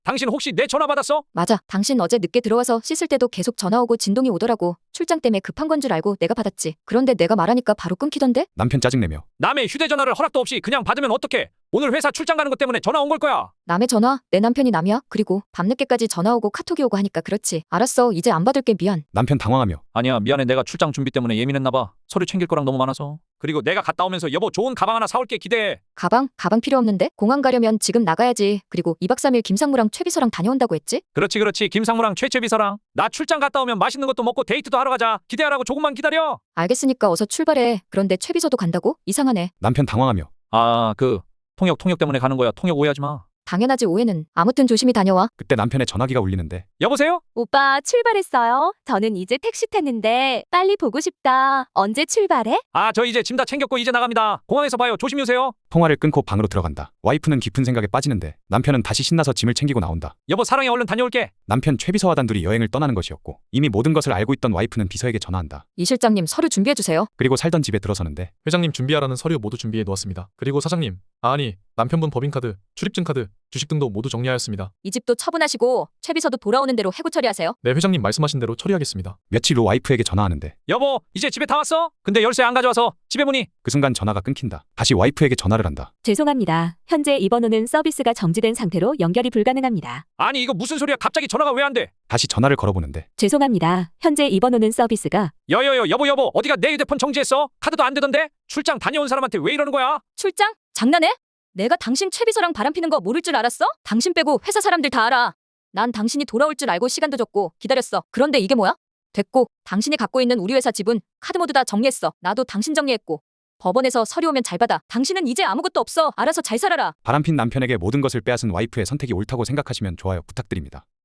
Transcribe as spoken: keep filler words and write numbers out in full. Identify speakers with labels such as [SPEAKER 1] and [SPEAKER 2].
[SPEAKER 1] 당신 혹시 내 전화 받았어?
[SPEAKER 2] 맞아. 당신 어제 늦게 들어와서 씻을 때도 계속 전화 오고 진동이 오더라고. 출장 때문에 급한 건 줄 알고 내가 받았지. 그런데 내가 말하니까 바로 끊기던데?
[SPEAKER 3] 남편 짜증내며
[SPEAKER 1] 남의 휴대전화를 허락도 없이 그냥 받으면 어떡해? 오늘 회사 출장 가는 것 때문에 전화 온 걸 거야.
[SPEAKER 2] 남의 전화? 내 남편이 남이야? 그리고 밤늦게까지 전화 오고 카톡이 오고 하니까 그렇지. 알았어. 이제 안 받을게. 미안.
[SPEAKER 3] 남편 당황하며
[SPEAKER 1] 아니야, 미안해. 내가 출장 준비 때문에 예민했나 봐. 서류 챙길 거랑 너무 많아서. 그리고 내가 갔다 오면서 여보 좋은 가방 하나 사올게. 기대해.
[SPEAKER 2] 가방? 가방 필요 없는데? 공항 가려면 지금 나가야지. 그리고 이 박 삼 일 김상무랑 최비서랑 다녀온다고 했지?
[SPEAKER 1] 그렇지 그렇지. 김상무랑 최최비서랑. 나 출장 갔다 오면 맛있는 것도 먹고 데이트도 하러 가자. 기대하라고. 조금만 기다려.
[SPEAKER 2] 알겠으니까 어서 출발해. 그런데 최비서도 간다고? 이상하네.
[SPEAKER 3] 남편 당황하며
[SPEAKER 1] 아, 그 통역 통역 때문에 가는 거야. 통역 오해하지 마.
[SPEAKER 2] 당연하지. 오해는. 아무튼 조심히 다녀와.
[SPEAKER 3] 그때 남편의 전화기가 울리는데
[SPEAKER 1] 여보세요?
[SPEAKER 4] 오빠 출발했어요? 저는 이제 택시 탔는데 빨리 보고 싶다. 언제 출발해?
[SPEAKER 1] 아, 저 이제 짐 다 챙겼고 이제 나갑니다. 공항에서 봐요. 조심히 오세요.
[SPEAKER 3] 통화를 끊고 방으로 들어간다. 와이프는 깊은 생각에 빠지는데 남편은 다시 신나서 짐을 챙기고 나온다.
[SPEAKER 1] 여보 사랑해. 얼른 다녀올게.
[SPEAKER 3] 남편 최비서와 단둘이 여행을 떠나는 것이었고 이미 모든 것을 알고 있던 와이프는 비서에게 전화한다.
[SPEAKER 2] 이 실장님 서류 준비해주세요.
[SPEAKER 3] 그리고 살던 집에 들어서는데
[SPEAKER 5] 회장님 준비하라는 서류 모두 준비해 놓았습니다. 그리고 사장님, 아니 남편분 법인카드, 출입증 카드, 주식 등도 모두 정리하였습니다.
[SPEAKER 2] 이 집도 처분하시고 최비서도 돌아오는 대로 해고 처리하세요.
[SPEAKER 5] 네, 회장님 말씀하신 대로 처리하겠습니다.
[SPEAKER 3] 며칠 후 와이프에게 전화하는데
[SPEAKER 1] 여보 이제 집에 다 왔어? 근데 열쇠 안 가져와서 집에 문이.
[SPEAKER 3] 그 순간 전화가 끊긴다. 다시 와이프에게 전화를 한다.
[SPEAKER 4] 죄송합니다. 현재 이 번호는 서비스가 정지된 상태로 연결이 불가능합니다.
[SPEAKER 1] 아니 이거 무슨 소리야. 갑자기 전화가 왜 안 돼?
[SPEAKER 3] 다시 전화를 걸어보는데
[SPEAKER 4] 죄송합니다. 현재 이 번호는 서비스가
[SPEAKER 1] 여여여 여보 여보 어디가 내 휴대폰 정지했어? 카드도 안 되던데? 출장 다녀온 사람한테 왜 이러는 거야?
[SPEAKER 2] 출장? 장난해? 내가 당신 최비서랑 바람피는 거 모를 줄 알았어? 당신 빼고 회사 사람들 다 알아. 난 당신이 돌아올 줄 알고 시간도 줬고 기다렸어. 그런데 이게 뭐야? 됐고, 당신이 갖고 있는 우리 회사 지분, 카드 모두 다 정리했어. 나도 당신 정리했고. 법원에서 서류 오면 잘 받아. 당신은 이제 아무것도 없어. 알아서 잘 살아라.
[SPEAKER 3] 바람핀 남편에게 모든 것을 빼앗은 와이프의 선택이 옳다고 생각하시면 좋아요 부탁드립니다.